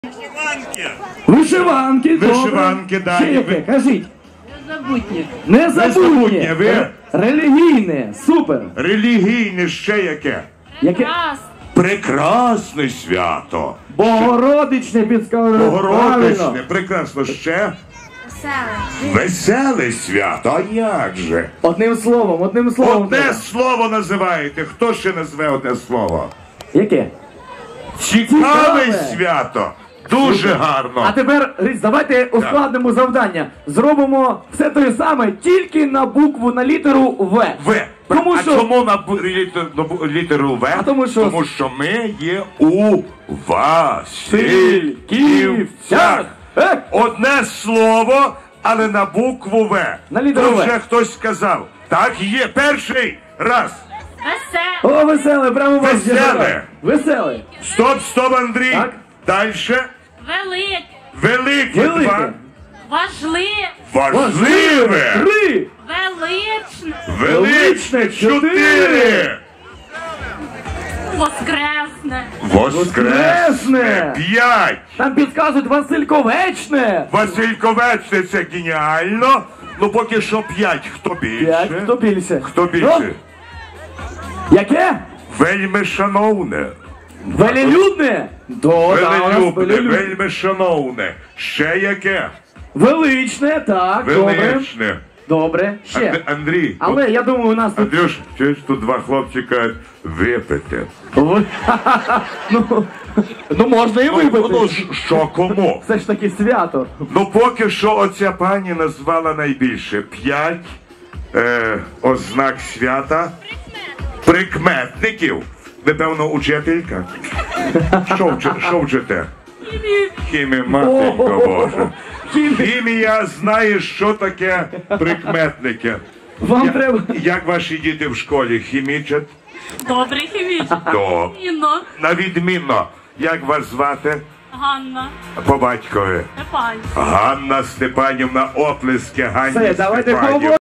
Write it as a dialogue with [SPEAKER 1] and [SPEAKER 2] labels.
[SPEAKER 1] Вишиванки, добре.
[SPEAKER 2] Вишиванки, да.
[SPEAKER 1] Ще яке? Кажіть.
[SPEAKER 3] Незабутнє.
[SPEAKER 1] Незабутнє.
[SPEAKER 2] Ви?
[SPEAKER 1] Релігійне. Супер.
[SPEAKER 2] Релігійне ще яке?
[SPEAKER 1] Яке?
[SPEAKER 3] Раз.
[SPEAKER 2] Прекрасне свято.
[SPEAKER 1] Богородичне підказує.
[SPEAKER 2] Богородичне, прекрасно. Ще
[SPEAKER 3] Веселе.
[SPEAKER 2] веселе свято. А як же?
[SPEAKER 1] Одним словом.
[SPEAKER 2] Одне
[SPEAKER 1] треба.
[SPEAKER 2] слово називаєте. Хто ще назве одне слово?
[SPEAKER 1] Яке?
[SPEAKER 2] Цікаве
[SPEAKER 1] Цікаве.
[SPEAKER 2] свято. Дуже гарно.
[SPEAKER 1] А тепер, Ріць, давайте ускладнимо завдання. Зробимо все те саме, тільки на букву, на літеру В.
[SPEAKER 2] В.
[SPEAKER 1] Тому
[SPEAKER 2] А
[SPEAKER 1] що...
[SPEAKER 2] чому на літеру В?
[SPEAKER 1] А тому що
[SPEAKER 2] ми є у Васильківцях. Одне слово, але на букву В.
[SPEAKER 1] На літеру
[SPEAKER 2] Тут
[SPEAKER 1] В.
[SPEAKER 2] вже хтось сказав. Так є. Перший раз.
[SPEAKER 3] Веселе.
[SPEAKER 1] О, веселе, прямо вас
[SPEAKER 2] Веселе.
[SPEAKER 1] Веселе.
[SPEAKER 2] Стоп, Андрій.
[SPEAKER 1] Так.
[SPEAKER 2] Дальше.
[SPEAKER 3] Велике.
[SPEAKER 2] Велике.
[SPEAKER 1] Велике.
[SPEAKER 2] Два.
[SPEAKER 3] Важливе.
[SPEAKER 2] Важливе.
[SPEAKER 1] 3.
[SPEAKER 3] Величне.
[SPEAKER 2] Величне. 4.
[SPEAKER 3] Воскресне.
[SPEAKER 2] Воскресне. 5.
[SPEAKER 1] Там підказують Васильковечне.
[SPEAKER 2] Васильковечне, це геніально. Ну поки що 5. Хто більше?
[SPEAKER 1] 5. Хто більше?
[SPEAKER 2] Хто більше?
[SPEAKER 1] Яке?
[SPEAKER 2] Вельми шановне.
[SPEAKER 1] Велелюдне?
[SPEAKER 2] Велелюбне, вельми шановне. Ще яке?
[SPEAKER 1] Величне, так, добре.
[SPEAKER 2] Величне.
[SPEAKER 1] Добре, ще.
[SPEAKER 2] Андрій.
[SPEAKER 1] Але я думаю, у нас тут...
[SPEAKER 2] Андрюш, чуєш, тут два хлопчика випити.
[SPEAKER 1] Ну, можна і
[SPEAKER 2] Ну,
[SPEAKER 1] випити.
[SPEAKER 2] що кому?
[SPEAKER 1] Все ж таки свято.
[SPEAKER 2] Ну, поки що оця пані назвала найбільше. 5 ознак свята. Прикметників. Ви, певно, учителька? Що вчите? Хімія, матенько Боже. Хімія знає, що таке прикметники.
[SPEAKER 1] Вам треба...
[SPEAKER 2] Як ваші діти в школі хімічать?
[SPEAKER 3] Добре хімічне.
[SPEAKER 2] То.
[SPEAKER 3] Інно.
[SPEAKER 2] На відмінно. Як вас звати?
[SPEAKER 3] Ганна.
[SPEAKER 2] По батькові.
[SPEAKER 3] Степан.
[SPEAKER 2] Ганна Степанівна, оплески Ганні
[SPEAKER 1] Все, давайте
[SPEAKER 2] Степанівні.